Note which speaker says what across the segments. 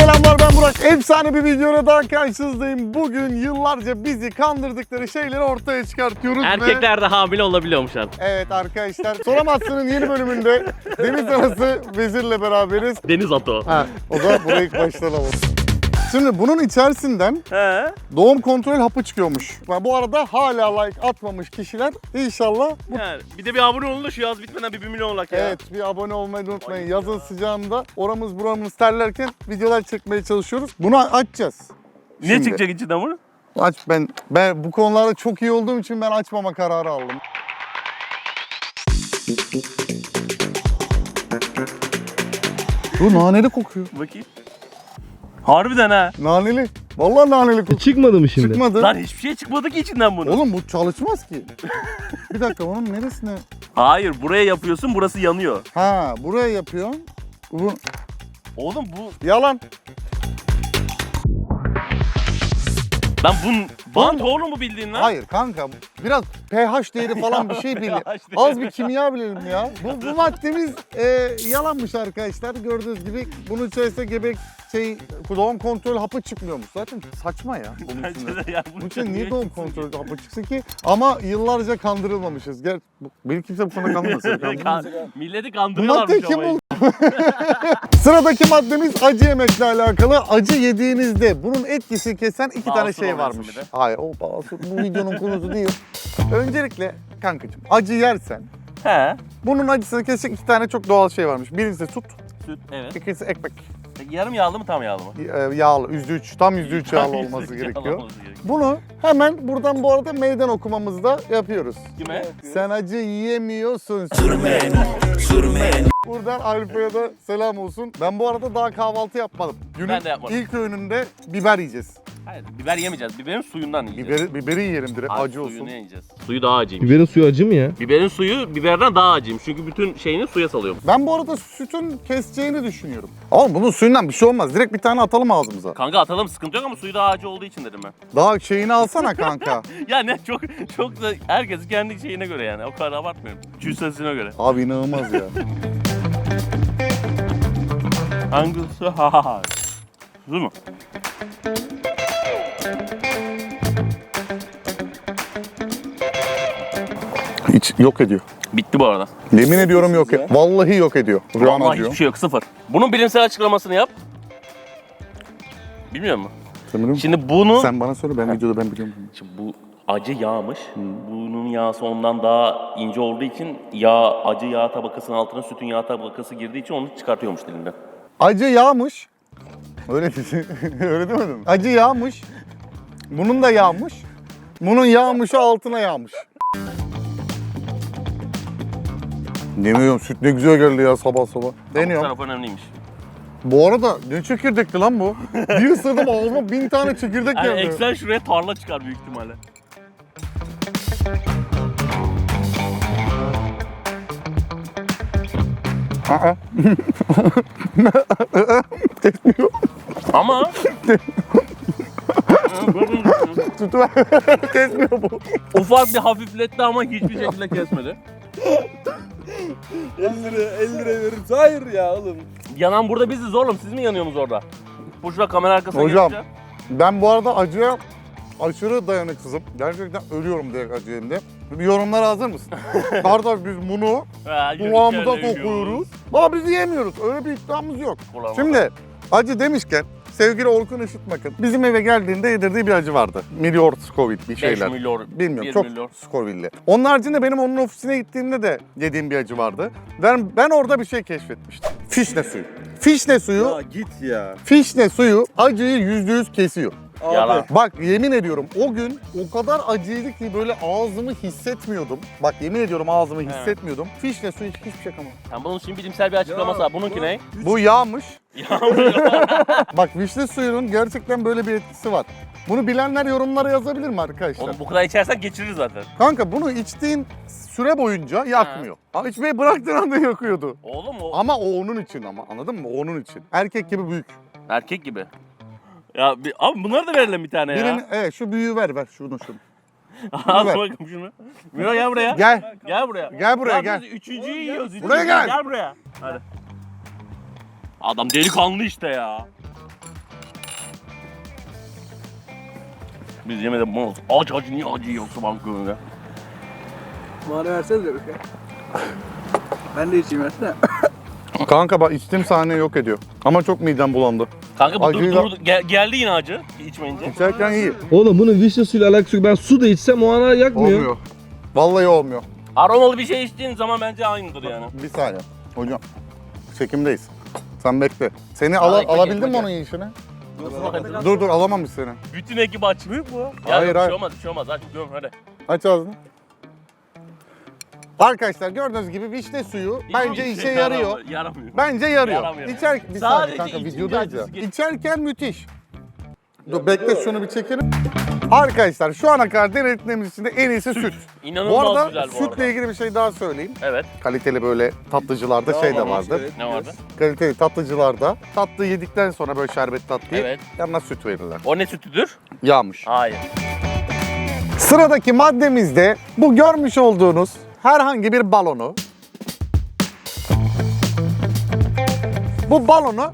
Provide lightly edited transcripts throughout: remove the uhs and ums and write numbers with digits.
Speaker 1: Selamlar, ben Burak. Efsane bir videoyla daha karşınızdayım. Bugün yıllarca bizi kandırdıkları şeyleri ortaya çıkartıyoruz.
Speaker 2: Erkekler de hamile olabiliyormuş artık.
Speaker 1: Evet arkadaşlar, Soramazsın'ın yeni bölümünde Deniz Anası Vezir'le beraberiz.
Speaker 2: Deniz atı.
Speaker 1: O zaman burayı ilk baştan alalım. Şimdi bunun içerisinden
Speaker 2: He.
Speaker 1: doğum kontrol hapı çıkıyormuş. Bu arada hala like atmamış kişiler inşallah
Speaker 2: Yani bir de bir abone olun da şu yaz bitmeden bir milyon olak ya.
Speaker 1: evet, bir abone olmayı unutmayın. Yazın sıcağında oramız buramız terlerken videolar çekmeye çalışıyoruz. Bunu açacağız.
Speaker 2: Ne
Speaker 1: Şimdi.
Speaker 2: çıkacak içinden bunu?
Speaker 1: Aç, ben bu konularda çok iyi olduğum için ben açmama kararı aldım. Bu naneli kokuyor.
Speaker 2: Bakayım. Harbiden ha.
Speaker 1: Naneli. Vallahi naneli kokuyor.
Speaker 3: Çıkmadı mı şimdi?
Speaker 1: Çıkmadı.
Speaker 2: Lan hiçbir şey çıkmadı ki içinden bunun.
Speaker 1: Oğlum bu çalışmaz ki. Bir dakika, onun neresine?
Speaker 2: Hayır, buraya yapıyorsun, burası yanıyor.
Speaker 1: Ha, buraya yapıyorsun. Bu
Speaker 2: Oğlum bu...
Speaker 1: yalan.
Speaker 2: Lan bant oğlum bu bildiğin lan.
Speaker 1: Hayır kanka, biraz pH değeri falan bir şey bilelim.
Speaker 2: pH değeri.
Speaker 1: Az bir kimya bilelim ya. Bu maddemiz yalanmış arkadaşlar. Gördüğünüz gibi bunun içerisinde doğum kontrol hapı çıkmıyormuş. Zaten saçma ya. Bunun
Speaker 2: Bence
Speaker 1: içinde.
Speaker 2: de ya,
Speaker 1: Bunun için niye doğum kontrol hapı çıksın ki? Ama yıllarca kandırılmamışız. Beni kimse bu konuda kandırmasın.
Speaker 2: Milleti
Speaker 1: Bu
Speaker 2: kandırıyorlarmış
Speaker 1: madde kim
Speaker 2: ama.
Speaker 1: buldu? Sıradaki maddemiz acı yemekle alakalı. Acı yediğinizde bunun etkisini kesen iki tane
Speaker 2: Basur
Speaker 1: şey
Speaker 2: oluyorsun
Speaker 1: varmış.
Speaker 2: bir de.
Speaker 1: Hayır, o basur bu videonun konusu değil. Öncelikle kankacığım, acı yersen
Speaker 2: He.
Speaker 1: bunun acısını kesecek iki tane çok doğal şey varmış. Birincisi süt,
Speaker 2: Süt, evet.
Speaker 1: ikincisi ekmek.
Speaker 2: Peki yarım yağlı mı tam yağlı mı?
Speaker 1: Yağlı, %3, tam %3 yağlı olması gerekiyor. Bunu hemen buradan bu arada meydan okumamızda yapıyoruz.
Speaker 2: Kime?
Speaker 1: Sen acı yiyemiyorsun. Buradan Alfa'ya da selam olsun. Ben bu arada daha kahvaltı yapmadım. Günün
Speaker 2: Ben de yapmadım.
Speaker 1: ilk öğününde biber yiyeceğiz.
Speaker 2: Hayır, biber yemeyeceğiz. Biberin suyundan yiyeceğiz.
Speaker 1: Biberi yiyelim direkt,
Speaker 2: Abi,
Speaker 1: acı
Speaker 2: suyunu
Speaker 1: olsun.
Speaker 2: yiyeceğiz. Suyu daha acıymış.
Speaker 3: Biberin suyu acı mı ya?
Speaker 2: Biberin suyu biberden daha acıymış. Çünkü bütün şeyini suya salıyormuş.
Speaker 1: Ben bu arada sütün keseceğini düşünüyorum. Ama bunun suyundan bir şey olmaz. Direkt bir tane atalım ağzımıza.
Speaker 2: Kanka atalım, sıkıntı yok ama suyu daha acı olduğu için dedim ben.
Speaker 1: Daha şeyini alsana kanka.
Speaker 2: Ya ne çok da herkes kendi şeyine göre yani. O kadar abartmıyorum. Cüssesine göre.
Speaker 1: Abi inanılmaz ya.
Speaker 2: Hangisi? Ha. Su mu?
Speaker 1: Hiç yok ediyor.
Speaker 2: Bitti bu arada.
Speaker 1: Yemin ediyorum yok ediyor. Vallahi yok ediyor. Rüyan
Speaker 2: Vallahi
Speaker 1: acıyor.
Speaker 2: hiçbir şey yok, sıfır. Bunun bilimsel açıklamasını yap. Bilmiyor musun?
Speaker 1: Sen biliyor musun?
Speaker 2: Şimdi bunu...
Speaker 1: Sen bana söyle, ben videoda ben biliyorum.
Speaker 2: Şimdi bu acı yağmış. Bunun yağsı ondan daha ince olduğu için acı yağ tabakasının altına sütün yağ tabakası girdiği için onu çıkartıyormuş dilinden.
Speaker 1: Acı yağmış. Öyle dedi. Öyle demedim mi? Acı yağmış. Bunun da yağmış. Bunun yağmışı altına yağmış. Demiyorum, süt ne güzel geldi ya sabah sabah.
Speaker 2: Bu
Speaker 1: Deniyorum.
Speaker 2: taraf önemliymiş.
Speaker 1: Bu arada ne çekirdekli lan bu? Bir ısırdım ağzıma 1000 tane çekirdek
Speaker 2: Yani
Speaker 1: geldi.
Speaker 2: eksen şuraya tarla çıkar büyük ihtimalle.
Speaker 1: Aa.
Speaker 2: Ama...
Speaker 1: Sütü ver. Kesmiyor bu.
Speaker 2: Ufak bir hafifletti ama hiçbir şekilde kesmedi.
Speaker 3: 50 lira veririm. Hayır ya oğlum.
Speaker 2: Yanan burada biziz oğlum. Siz mi yanıyorsunuz orada? Bu şurada kamera arkasına
Speaker 1: Hocam.
Speaker 2: geçince.
Speaker 1: Ben bu arada acıya aşırı dayanıksızım. Gerçekten ölüyorum direkt acı yerinde. Bir yorumlara hazır mısın? Kardeş biz bunu kulağımıza sokuyoruz. Ama biz yiyemiyoruz. Öyle bir iddiamız yok. Şimdi acı demişken sevgili Orkun Işıtmak'ın bizim eve geldiğinde yedirdiği bir acı vardı. Millior Scoville bir
Speaker 2: 5
Speaker 1: şeyler.
Speaker 2: milyon.
Speaker 1: Bilmiyorum,
Speaker 2: 1
Speaker 1: çok
Speaker 2: milyon.
Speaker 1: Scoville'li. Onun haricinde benim onun ofisine gittiğimde de yediğim bir acı vardı. Ben orada bir şey keşfetmiştim. Fişne suyu. Fişne suyu,
Speaker 3: Ya git ya.
Speaker 1: fişne suyu acıyı %100 kesiyor.
Speaker 3: Abi.
Speaker 2: Yalan.
Speaker 1: Bak yemin ediyorum o gün o kadar acıydı ki böyle ağzımı hissetmiyordum. Bak yemin ediyorum ağzımı hissetmiyordum. Fişne suyu hiçbir şey yapamam.
Speaker 2: Sen bunun için bilimsel bir açıklaması var. Bununki ne?
Speaker 1: Bu yağmış.
Speaker 2: Yağmur.
Speaker 1: Bak vişne suyunun gerçekten böyle bir etkisi var. Bunu bilenler yorumlara yazabilir mi arkadaşlar?
Speaker 2: Oğlum bu kadar içersen geçirir zaten.
Speaker 1: Kanka bunu içtiğin süre boyunca yakmıyor. Ama içmeyi bıraktığın anda yakıyordu.
Speaker 2: Oğlum o
Speaker 1: Ama o onun için ama anladın mı? O onun için. Erkek gibi büyük.
Speaker 2: erkek gibi. Ya abi bunları da verelim bir tane ya.
Speaker 1: Birini, evet şu büyüğü ver şunu.
Speaker 2: Al
Speaker 1: ver.
Speaker 2: bakalım şunu. Miro gel buraya.
Speaker 1: Gel.
Speaker 2: Gel buraya.
Speaker 1: Gel buraya,
Speaker 2: Ya
Speaker 1: gel.
Speaker 2: biz üçüncüyü yiyoruz.
Speaker 1: Buraya gel.
Speaker 2: Gel buraya. Hadi. Adam delikanlı işte ya. Biz yemedik mal. Acı niye acı yoksa banköründe?
Speaker 4: Bana versene de bir şey. Ben de içeyim versene.
Speaker 1: Kanka bak içtiğim sahne yok ediyor. Ama çok midem bulandı.
Speaker 2: Kanka bu
Speaker 1: Acıyla-
Speaker 2: geldi yine acı içmeyince.
Speaker 1: İçerken iyi.
Speaker 3: Oğlum bunun vişne suyuyla alakası yok. Ben su da içsem o ana yakmıyor.
Speaker 1: Olmuyor. Vallahi olmuyor.
Speaker 2: Aromalı bir şey içtiğin zaman bence aynıdır yani.
Speaker 1: Bir saniye. Hocam. Çekimdeyiz. Sen bekle. Seni
Speaker 2: ekmek
Speaker 1: alabildin mi
Speaker 2: ekmek.
Speaker 1: onun yiyişine? Dur alamamış seni.
Speaker 2: Bütün ekip aç. Büyük bu. Ya
Speaker 1: Hayır,
Speaker 2: yok,
Speaker 1: hayır.
Speaker 2: Bir şey olmaz. Aç göm hadi.
Speaker 1: Aç ağzını. Arkadaşlar gördüğünüz gibi vişne suyu bence işe yarıyor.
Speaker 2: Yaramıyor.
Speaker 1: Bence yarıyor.
Speaker 2: Yaramıyor.
Speaker 1: Bir
Speaker 2: Sadece
Speaker 1: saniye kanka
Speaker 2: içince
Speaker 1: videodayız ya.
Speaker 2: acısı geç-
Speaker 1: İçerken müthiş. Dur bekle şunu bir çekelim. Arkadaşlar şu ana kadar denediklerimiz içinde en iyisi süt. Bu
Speaker 2: İnanılmaz
Speaker 1: arada
Speaker 2: güzel bu
Speaker 1: sütle
Speaker 2: arada.
Speaker 1: ilgili bir şey daha söyleyeyim.
Speaker 2: Evet.
Speaker 1: Kaliteli böyle tatlıcılarda şey de vardır.
Speaker 2: Ne vardı?
Speaker 1: Kaliteli tatlıcılarda tatlı yedikten sonra böyle şerbet tatlıyı
Speaker 2: Evet.
Speaker 1: yanına süt verirler.
Speaker 2: O ne sütüdür?
Speaker 1: Yağmış.
Speaker 2: Hayır.
Speaker 1: Sıradaki maddemizde bu görmüş olduğunuz herhangi bir balonu. Bu balonu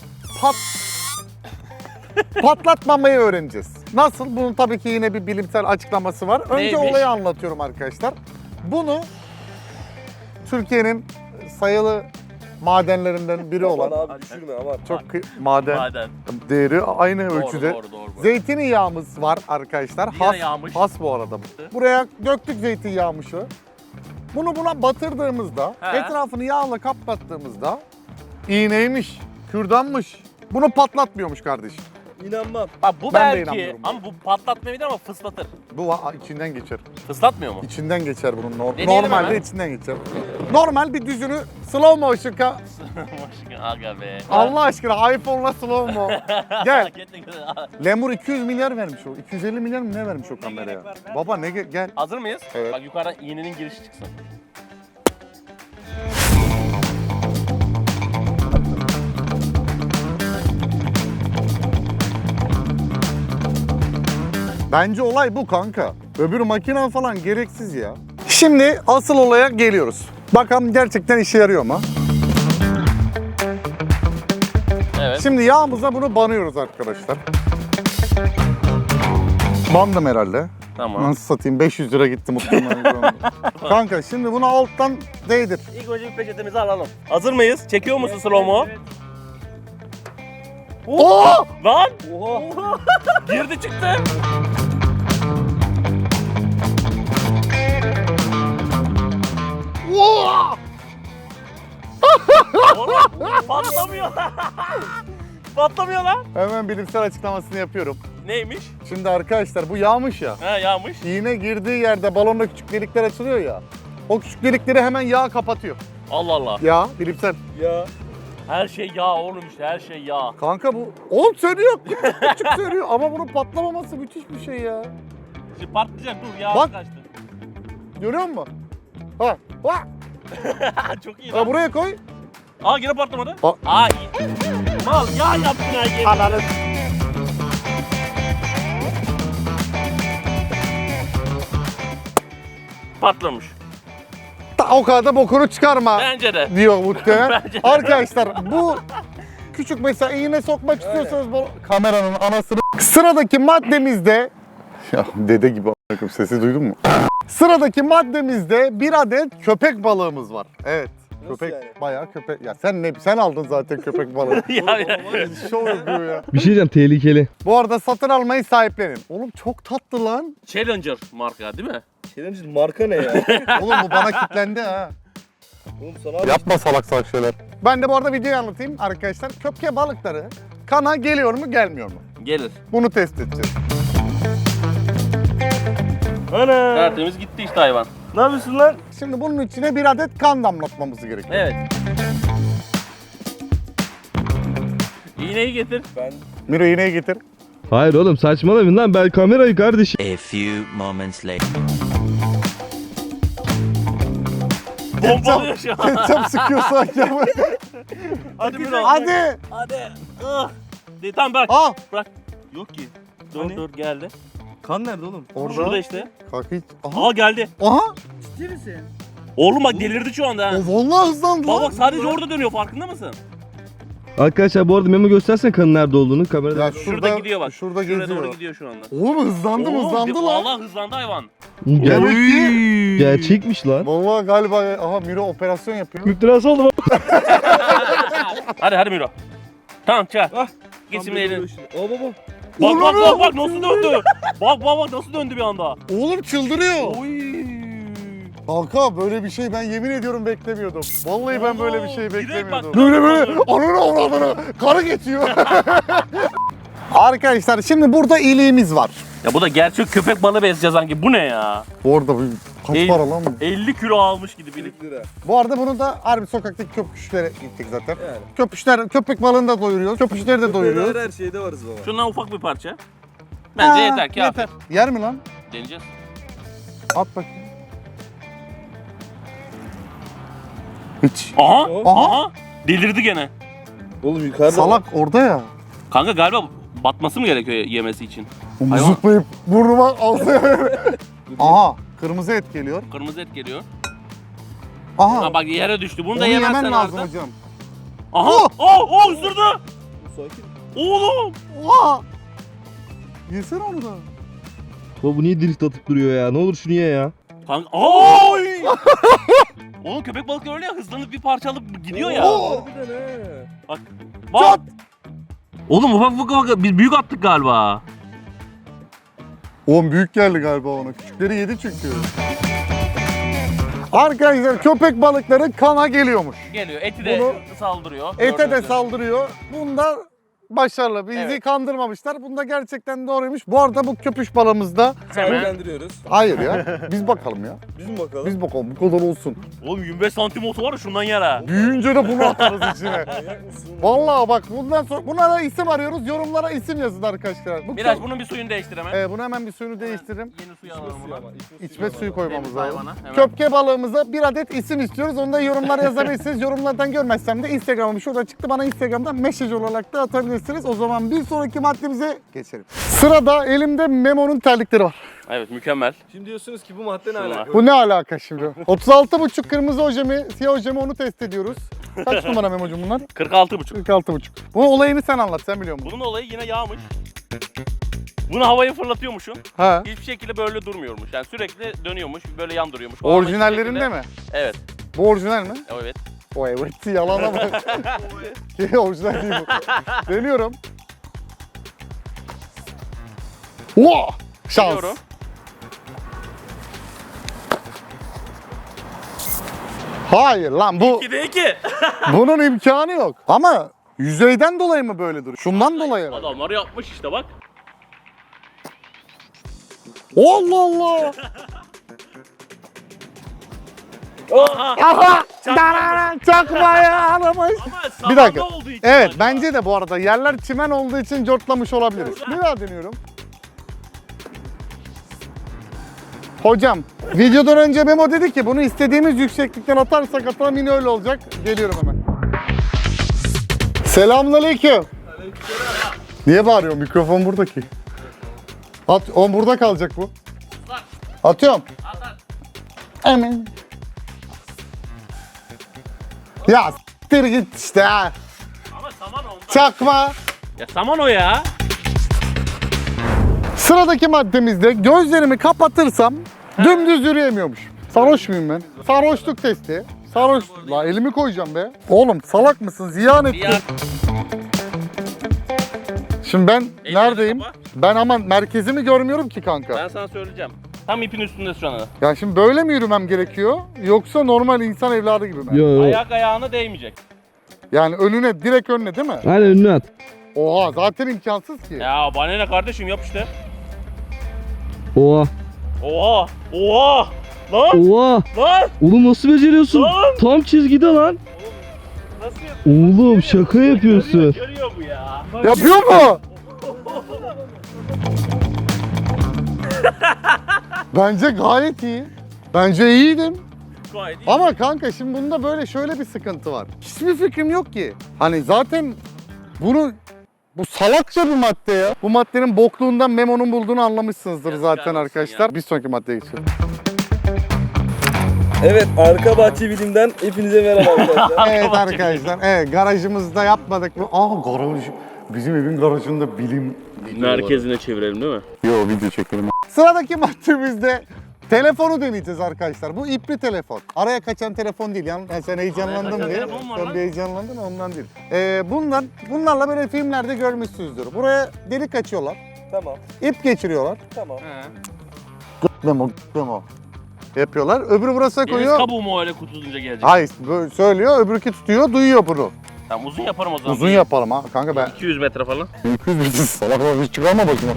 Speaker 1: patlatmamayı öğreneceğiz. Nasıl? Bunun tabii ki yine bir bilimsel açıklaması var. Önce
Speaker 2: Neymiş?
Speaker 1: olayı anlatıyorum arkadaşlar. Bunu Türkiye'nin sayılı madenlerinden biri olan
Speaker 3: Abi düşürme aman.
Speaker 1: çok maden
Speaker 2: Maden.
Speaker 1: değeri aynı
Speaker 2: Doğru,
Speaker 1: ölçüde.
Speaker 2: doğru.
Speaker 1: Zeytinyağımız var arkadaşlar.
Speaker 2: Yine yağmış.
Speaker 1: Has bu arada bu. Buraya döktük zeytinyağmışı. Bunu buna batırdığımızda,
Speaker 2: He.
Speaker 1: etrafını yağla kapattığımızda iğneymiş, kürdanmış. Bunu patlatmıyormuş kardeşim.
Speaker 3: İnanmam.
Speaker 2: Bak bu
Speaker 1: Ben de
Speaker 2: belki
Speaker 1: inanmıyorum.
Speaker 2: ama bu patlatmayabilir ama fıslatır.
Speaker 1: Bu içinden geçer.
Speaker 2: Fıslatmıyor mu?
Speaker 1: İçinden geçer bunun.
Speaker 2: Deneyelim
Speaker 1: Normalde
Speaker 2: hemen.
Speaker 1: içinden geçer. Normal bir düzünü slow motion
Speaker 2: Aga be.
Speaker 1: Allah aşkına iPhone'la slow mo. Gel.
Speaker 2: Gel.
Speaker 1: Lemur 200 milyar vermiş o. 250 milyar mı ne vermiş o kameraya? Baba ne gel.
Speaker 2: Hazır mıyız?
Speaker 1: Evet.
Speaker 2: Bak yukarıdan iğnenin girişi çıksın.
Speaker 1: Bence olay bu kanka. Öbür makine falan gereksiz ya. Şimdi asıl olaya geliyoruz. Bakalım gerçekten işe yarıyor mu?
Speaker 2: Evet.
Speaker 1: Şimdi yağımıza bunu banıyoruz arkadaşlar. Bandım herhalde.
Speaker 2: Tamam.
Speaker 1: Nasıl satayım? 500 lira gitti muhtemelen. Kanka şimdi bunu alttan değdir.
Speaker 2: İlk önce bir peçetemizi alalım. Hazır mıyız? Çekiyor musun slow-mo?
Speaker 1: Oo!
Speaker 2: Lan!
Speaker 3: Oha.
Speaker 2: Girdi çıktı.
Speaker 1: Oo!
Speaker 2: Oğlum patlamıyor. Patlamıyor lan.
Speaker 1: Hemen bilimsel açıklamasını yapıyorum.
Speaker 2: Neymiş?
Speaker 1: Şimdi arkadaşlar bu yağmış ya.
Speaker 2: He yağmış.
Speaker 1: İğne girdiği yerde balonda küçük delikler açılıyor ya. O küçük delikleri hemen yağ kapatıyor.
Speaker 2: Allah Allah.
Speaker 1: Yağ bilimsel.
Speaker 3: Ya.
Speaker 2: Her şey yağ oğlum işte her şey yağ.
Speaker 1: Kanka bu oğlum söylüyor. Küçük söylüyor ama bunun patlamaması müthiş bir şey ya.
Speaker 2: Şimdi patlayacak dur yağ
Speaker 1: Bak.
Speaker 2: kaçtı.
Speaker 1: Görüyor musun? Ha. Ha.
Speaker 2: Çok iyi
Speaker 1: Ha,
Speaker 2: lan.
Speaker 1: buraya koy.
Speaker 2: Aa yine patlamadı.
Speaker 1: Aa.
Speaker 2: Aa iyi. Mal yağ yaptın ha yine.
Speaker 1: Ananı.
Speaker 2: Patlamış.
Speaker 1: O kadar da bokunu çıkarma
Speaker 2: Bence de.
Speaker 1: diyor muhtemelen.
Speaker 2: Bence de.
Speaker 1: Arkadaşlar bu küçük mesela iğne sokmak istiyorsanız bu kameranın anasını. Sıradaki maddemizde ya dede gibi a**ım, sesi duydun mu? Sıradaki maddemizde bir adet köpek balığımız var. Evet.
Speaker 3: Nasıl
Speaker 1: Köpek
Speaker 3: yani?
Speaker 1: bayağı köpek. Ya sen aldın zaten köpek balığı.
Speaker 2: ya.
Speaker 1: Şov yapıyor ya.
Speaker 3: Bir şey diyeceğim tehlikeli.
Speaker 1: Bu arada satın almayı sahiplenin. Oğlum çok tatlı lan.
Speaker 2: Challenger marka değil mi?
Speaker 3: Challenger marka ne ya?
Speaker 1: Oğlum bu bana kitlendi ha.
Speaker 3: Oğlum sana
Speaker 1: Yapma salak salak şeyler. Ben de bu arada videoyu anlatayım arkadaşlar. Köpke balıkları kana geliyor mu gelmiyor mu?
Speaker 2: Gelir.
Speaker 1: Bunu test edeceğiz.
Speaker 3: Ana.
Speaker 2: Tertemiz gitti işte hayvan.
Speaker 3: Ne yapıyorsun lan?
Speaker 1: Şimdi bunun içine bir adet kan damlatmamız gerekiyor.
Speaker 2: Evet. İğneyi getir.
Speaker 3: Ben
Speaker 1: Miro iğneyi getir.
Speaker 3: Hayır oğlum saçmalamayın lan ben kamerayı kardeşim.
Speaker 5: A few moments later.
Speaker 2: Bombalıyor şu an.
Speaker 1: Ketçap sıkıyor sanki ama.
Speaker 2: Hadi biraz.
Speaker 1: Hadi.
Speaker 2: Hadi. Tamam bırak.
Speaker 1: Ah.
Speaker 2: Bırak. Yok ki. Dur dur geldi.
Speaker 3: Kan nerede oğlum?
Speaker 2: Şurada
Speaker 1: Orada.
Speaker 2: işte.
Speaker 1: Kanka hiç. Aha.
Speaker 2: Aa geldi.
Speaker 1: Aha.
Speaker 4: Ciddi misin?
Speaker 2: Oğlum bak delirdi şu anda ha.
Speaker 1: O vallahi hızlandı
Speaker 2: Bak
Speaker 1: lan.
Speaker 2: bak sadece orada dönüyor farkında mısın?
Speaker 3: Arkadaşlar bu arada Memo göstersen kanın nerede olduğunu kamerada.
Speaker 1: Ya
Speaker 2: Şurada gidiyor bak.
Speaker 1: Şurada
Speaker 2: Şuraya
Speaker 1: geziyor.
Speaker 2: doğru gidiyor şu anda.
Speaker 1: Oğlum hızlandı lan.
Speaker 2: Vallahi hızlandı hayvan.
Speaker 1: Demek ki.
Speaker 3: Gerçekmiş lan.
Speaker 1: Vallahi galiba aha Miro operasyon yapıyor.
Speaker 3: Müptelası oldum.
Speaker 2: Hadi Miro. Tamam çağır.
Speaker 3: Ah,
Speaker 2: Gitsin elini.
Speaker 3: O baba.
Speaker 2: Bak nasıl döndü. Bak nasıl döndü bir anda.
Speaker 1: Oğlum çıldırıyor.
Speaker 2: Oy.
Speaker 1: Kanka böyle bir şey ben yemin ediyorum beklemiyordum. Vallahi ben böyle bir şey
Speaker 2: direkt
Speaker 1: beklemiyordum.
Speaker 2: bak-
Speaker 1: Böyle ananı avradını karı geçiyor. Arkadaşlar şimdi burada iliğimiz var.
Speaker 2: Ya bu da gerçek köpek balığı besleyeceğiz sanki. Bu ne ya?
Speaker 1: Bu arada kaç
Speaker 2: El-
Speaker 1: para lan bu?
Speaker 2: 50 kilo almış gibi bilik.
Speaker 1: Bu arada bunu da harbi sokaktaki köpüşlere gittik zaten.
Speaker 3: Yani.
Speaker 1: Köpek balığını da doyuruyoruz. Köpüşleri de doyuruyoruz.
Speaker 3: Her şeyde varız baba.
Speaker 2: Şundan ufak bir parça. Bence
Speaker 1: Ha,
Speaker 2: yeter ki
Speaker 1: yeter. Yer mi lan?
Speaker 2: Deneyeceğiz.
Speaker 1: At bakayım. Hiç.
Speaker 2: Aha.
Speaker 1: Aha.
Speaker 2: Delirdi gene.
Speaker 3: Oğlum yukarıda.
Speaker 1: Salak orada ya.
Speaker 2: Kanka galiba batması mı gerekiyor yemesi için? Hayvan.
Speaker 1: Zıplayıp burnuma aldı. Aha kırmızı et geliyor.
Speaker 2: Kırmızı et geliyor.
Speaker 1: Aha.
Speaker 2: Ha bak yere düştü. Bunu da
Speaker 1: Onu
Speaker 2: yemezsen
Speaker 1: yemen lazım
Speaker 2: artık.
Speaker 1: hocam.
Speaker 2: Aha. Oh ısırdı.
Speaker 3: Sakin.
Speaker 2: Oğlum.
Speaker 1: Oha. Yesene onu da.
Speaker 3: Baba bu niye drift atıp duruyor ya? Ne olur şunu ye ya.
Speaker 2: Kanka. Oy. Oğlum köpek balıkları öyle ya hızlanıp bir parça alıp gidiyor ya.
Speaker 3: Harbiden he.
Speaker 2: Bak.
Speaker 1: Çat.
Speaker 2: Oğlum ufak biz büyük attık galiba.
Speaker 1: Oğlum büyük geldi galiba ona. Küçükleri yedi çünkü. Arkadaşlar köpek balıkları kana geliyormuş.
Speaker 2: Geliyor. Eti de saldırıyor.
Speaker 1: Ete de
Speaker 2: Gördüğünüz
Speaker 1: saldırıyor. Bunda başarılı. Bizi
Speaker 2: Evet.
Speaker 1: kandırmamışlar. Bunda gerçekten doğruymuş. Bu arada bu köpüş balığımızda...
Speaker 2: Hemen.
Speaker 3: Sahiplendiriyoruz.
Speaker 1: Hayır ya. Biz bakalım ya.
Speaker 3: Biz mi bakalım?
Speaker 1: Biz bakalım. Bu kadar olsun.
Speaker 2: Oğlum 25 santim otu var ya şundan yer ha.
Speaker 1: Büyüyünce de bunu atarız içine.
Speaker 3: Manyak mısın?
Speaker 1: Vallahi bak bundan sonra buna da isim arıyoruz. Yorumlara isim yazın arkadaşlar. Bu
Speaker 2: Biraz bunun bir suyunu değiştir hemen.
Speaker 1: Bunu hemen bir suyunu değiştiririm.
Speaker 2: Yeni suyu alalım buna.
Speaker 1: İçme suyu koymamız
Speaker 2: Temiz
Speaker 1: lazım.
Speaker 2: hayvana, hemen.
Speaker 1: Köpke balığımıza bir adet isim istiyoruz. Onu da yorumlara yazabilirsiniz. Yorumlardan görmezsem de Instagram'ım şurada çıktı. Bana Instagram'dan mesaj olarak da atabilirsiniz. O zaman bir sonraki maddemize geçelim. Sırada elimde Memo'nun terlikleri var.
Speaker 2: Evet mükemmel.
Speaker 3: Şimdi diyorsunuz ki bu madde ne
Speaker 2: Şunlar.
Speaker 3: alaka?
Speaker 1: Bu ne alaka şimdi? 36,5 kırmızı ojemi, siyah ojemi onu test ediyoruz. Kaç numara Memo'cum bunlar?
Speaker 2: 46,5.
Speaker 1: 46,5. Bunun olayını sen anlat, sen biliyor musun?
Speaker 2: Bunun olayı yine yağmış. Bunu havaya fırlatıyormuşsun.
Speaker 1: Ha.
Speaker 2: Hiçbir şekilde böyle durmuyormuş. Yani sürekli dönüyormuş, böyle yandırıyormuş. O ama hiçbir
Speaker 1: Orijinallerinde
Speaker 2: şekilde-
Speaker 1: mi?
Speaker 2: Evet.
Speaker 1: Bu orijinal mi?
Speaker 2: Evet.
Speaker 1: O evet, yalana bak. Orijinal değil bu. Deniyorum. Wow! Şans.
Speaker 2: Deniyorum.
Speaker 1: Hayır lan bu
Speaker 2: 2'de 2.
Speaker 1: bunun imkanı yok. Ama yüzeyden dolayı mı böyle duruyor? Şundan dolayı herhalde.
Speaker 2: Adamlar yapmış işte bak.
Speaker 1: Allah Allah.
Speaker 2: Aha.
Speaker 1: Aha!
Speaker 2: Çakma.
Speaker 1: Çakmayı alamış.
Speaker 2: Ama
Speaker 1: Bir dakika.
Speaker 2: sahanda olduğu için
Speaker 1: Evet
Speaker 2: acaba.
Speaker 1: bence de bu arada yerler çimen olduğu için cortlamış olabiliriz. Bir daha deniyorum. Hocam videodan önce Memo dedi ki bunu istediğimiz yükseklikten atarsak atalım yine öyle olacak. Geliyorum hemen. Selamünaleyküm. Niye bağırıyor? Mikrofon burada ki. At, o burada kalacak bu. Atıyorum. Hemen. Ya s**tir git işte ha.
Speaker 2: Ama saman ondan.
Speaker 1: Çakma.
Speaker 2: Ya saman o ya.
Speaker 1: Sıradaki maddemizde gözlerimi kapatırsam dümdüz yürüyemiyormuş. Sarhoş muyum ben? Sarhoşluk testi. Sarhoş. La elimi koyacağım be. Oğlum salak mısın? Ziyan ettin.
Speaker 2: Diğer
Speaker 1: Şimdi ben
Speaker 2: Elini
Speaker 1: neredeyim?
Speaker 2: kapa.
Speaker 1: Ben ama merkezimi görmüyorum ki kanka.
Speaker 2: ben sana söyleyeceğim. Tam ipin üstünde şu anda.
Speaker 1: Ya şimdi böyle mi yürümem gerekiyor? Yoksa normal insan evladı gibi mi?
Speaker 3: Yo yo.
Speaker 2: Ayak ayağına değmeyecek.
Speaker 1: Yani önüne, direkt önüne değil mi?
Speaker 3: Aynen önüne at.
Speaker 1: Oha zaten imkansız ki.
Speaker 2: Ya bana ne kardeşim yap işte.
Speaker 3: Oha.
Speaker 2: Oha. Oha. Lan.
Speaker 3: Oha.
Speaker 2: Lan.
Speaker 3: Oğlum nasıl beceriyorsun?
Speaker 2: Lan.
Speaker 3: Tam çizgide lan.
Speaker 2: Nasıl yapıyor?
Speaker 3: Oğlum şaka yapıyorsun.
Speaker 2: Görüyor bu ya.
Speaker 1: Yapıyor mu? Bence gayet iyi. Bence iyiydim.
Speaker 2: Gayet iyi.
Speaker 1: Ama kanka şimdi bunda böyle şöyle bir sıkıntı var. Hiçbir fikrim yok ki. Hani zaten bu salakça bir madde ya. Bu maddenin bokluğundan Memo'nun bulduğunu anlamışsınızdır
Speaker 2: Yazıklar
Speaker 1: zaten
Speaker 2: olsun
Speaker 1: arkadaşlar.
Speaker 2: ya.
Speaker 1: Bir sonraki maddeye geçelim.
Speaker 3: Evet, arka bahçe bilimden hepinize merhaba arkadaşlar.
Speaker 1: Evet arkadaşlar, evet garajımızda yapmadık mı? Garaj, bizim evin garajında bilim
Speaker 2: Merkezine çevirelim değil mi?
Speaker 1: Yo, video çekelim. Sıradaki maddemizde telefonu deneyeceğiz arkadaşlar. Bu ipli telefon. Araya kaçan telefon değil. Yani sen heyecanlandın
Speaker 2: kaçan
Speaker 1: diye.
Speaker 2: telefon var
Speaker 1: Sen
Speaker 2: lan.
Speaker 1: bir heyecanlandın ondan değil. Bunlarla böyle filmlerde görmüşsünüzdür. Buraya delik açıyorlar.
Speaker 3: Tamam,
Speaker 1: İp geçiriyorlar.
Speaker 3: tamam.
Speaker 1: Memo. Yapıyorlar. Öbürü burasına
Speaker 2: Deniz
Speaker 1: koyuyor.
Speaker 2: kabuğu mu öyle kutulayınca gelecek?
Speaker 1: Hayır, böyle söylüyor. Öbürkü tutuyor, duyuyor bunu.
Speaker 2: Tamam uzun yaparım o zaman.
Speaker 1: Uzun yapalım ha. Kanka ben
Speaker 2: 200 metre falan.
Speaker 1: 200 metre salak var. Hiç çıkarma bakayım.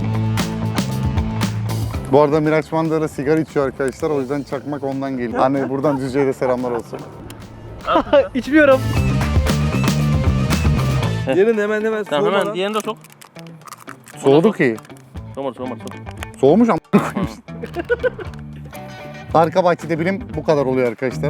Speaker 1: Bu arada Miraç Mandıra sigara içiyor arkadaşlar. O yüzden çakmak ondan geliyor. Hani buradan Düzce'ye de selamlar olsun.
Speaker 4: İçmiyorum.
Speaker 3: Yarın hemen
Speaker 2: Tamam
Speaker 3: soğumadan.
Speaker 2: hemen diğerini de sok.
Speaker 1: Soğudu ki.
Speaker 2: Soğumar.
Speaker 1: Soğumuş ama. Arka bahçede bilim bu kadar oluyor arkadaşlar.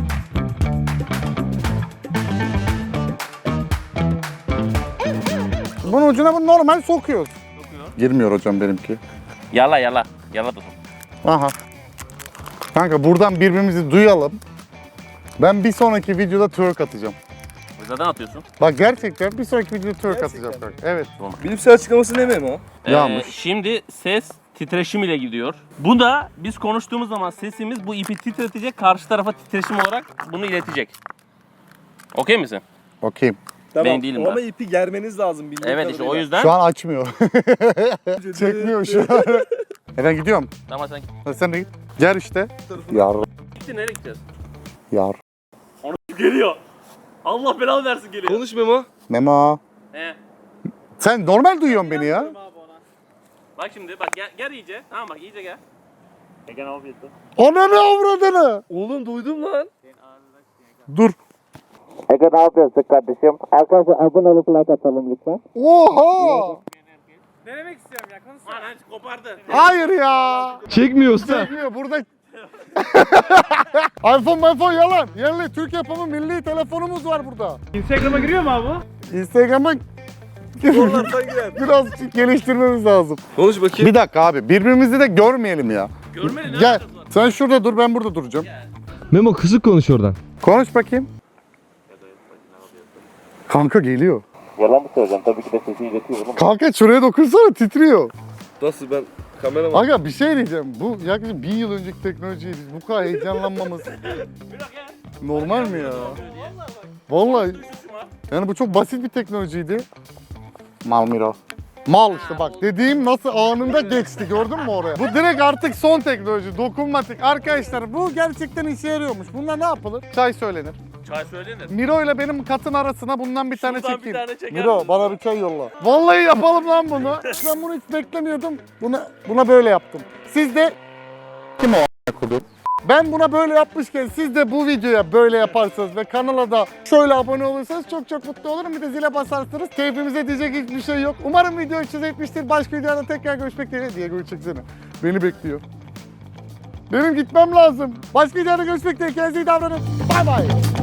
Speaker 1: Bunun ucuna bunu normal sokuyoruz. Girmiyor hocam benimki.
Speaker 2: Yala. Yala da sok.
Speaker 1: Aha. Kanka buradan birbirimizi duyalım. Ben bir sonraki videoda twerk atacağım.
Speaker 2: Zaten atıyorsun.
Speaker 1: Bak gerçekten bir sonraki videoda twerk
Speaker 3: Gerçekten
Speaker 1: atacağım kanka. Evet.
Speaker 3: Bilimsel açıklaması ne Memo?
Speaker 1: Yanlış.
Speaker 2: Şimdi ses titreşim ile gidiyor. Bu da biz konuştuğumuz zaman sesimiz bu ipi titretecek, karşı tarafa titreşim olarak bunu iletecek. Okey misin?
Speaker 1: Okey.
Speaker 3: Tamam.
Speaker 2: Ben değilim
Speaker 3: Ama
Speaker 2: ben.
Speaker 3: ipi germeniz lazım bildiğim
Speaker 2: Evet işte o
Speaker 3: kadarıyla.
Speaker 2: yüzden.
Speaker 1: Şu an açmıyor. Çekmiyor şu an. Ben gidiyorum.
Speaker 2: Tamam sen
Speaker 1: Sen de git. Gel işte. Yar.
Speaker 2: gittin nereye gideceğiz?
Speaker 1: Yar.
Speaker 2: Geliyor. Allah belanı versin geliyor.
Speaker 3: Konuş Memo.
Speaker 1: Memo.
Speaker 2: He.
Speaker 1: Sen normal duyuyorsun beni ya.
Speaker 2: Bak şimdi bak gel iyice. Tamam bak iyice gel.
Speaker 1: Ananı avradını.
Speaker 3: Oğlum duydum lan.
Speaker 1: Dur.
Speaker 5: Ege ne yapıyorsun kardeşim? Arkadaşlar abone olup like atalım lütfen.
Speaker 1: Oha.
Speaker 4: Denemek istiyorum ya. Konuşsana.
Speaker 2: Lan kopardı.
Speaker 1: Hayır ya.
Speaker 3: Çekmiyor usta.
Speaker 1: Çekmiyor burada. iPhone yalan. Yerli Türk yapımı milli telefonumuz var burada.
Speaker 4: Instagram'a giriyor mu abi bu?
Speaker 1: Instagram'a
Speaker 3: Zorlarsan girer.
Speaker 1: biraz geliştirmemiz lazım.
Speaker 3: Konuş bakayım.
Speaker 1: Bir dakika abi birbirimizi de görmeyelim ya.
Speaker 2: Görmeli ne
Speaker 1: Gel.
Speaker 2: yapacağız lan?
Speaker 1: Sen şurada dur ben burada duracağım.
Speaker 3: Memo kısık konuş oradan.
Speaker 1: Konuş bakayım. Kanka geliyor.
Speaker 5: Yalan mı söyleyeceğim? Tabii ki de sesi iletiyor oğlum.
Speaker 1: Kanka şuraya dokunsana titriyor.
Speaker 3: Nasıl ben kameraman?
Speaker 1: Aga bir şey diyeceğim. Bu yaklaşık 1000 yıl önceki teknolojiye biz bu kadar heyecanlanmamız normal mi ya? Vallahi yani bu çok basit bir teknolojiydi. Mal Miro. Mal işte bak dediğim nasıl anında geçti gördün mü oraya? Bu direkt artık son teknoloji dokunmatik. Arkadaşlar bu gerçekten işe yarıyormuş. Bunlar ne yapılır? Çay söylenir.
Speaker 2: Çay söylenir.
Speaker 1: Miro ile benim katın arasına bundan bir tane
Speaker 2: Şuradan bir
Speaker 1: çekeyim.
Speaker 2: tane çeker
Speaker 1: Miro
Speaker 2: misin?
Speaker 1: bana bir çay yolla. Vallahi yapalım lan bunu. Ben bunu hiç beklemiyordum. Buna böyle yaptım. Siz de kim o a**kudu? Ben buna böyle yapmışken siz de bu videoya böyle yaparsanız ve kanala da şöyle abone olursanız çok çok mutlu olurum. Bir de zile basarsınız. Keyfimize diyecek hiçbir şey yok. Umarım video hoşunuza gitmiştir. Başka videoda tekrar görüşmek dileğiyle. Diego'yu çeksene. Beni bekliyor. Benim gitmem lazım. Başka videoda görüşmek dileğiyle. Kendinize iyi davranın. Bay bay.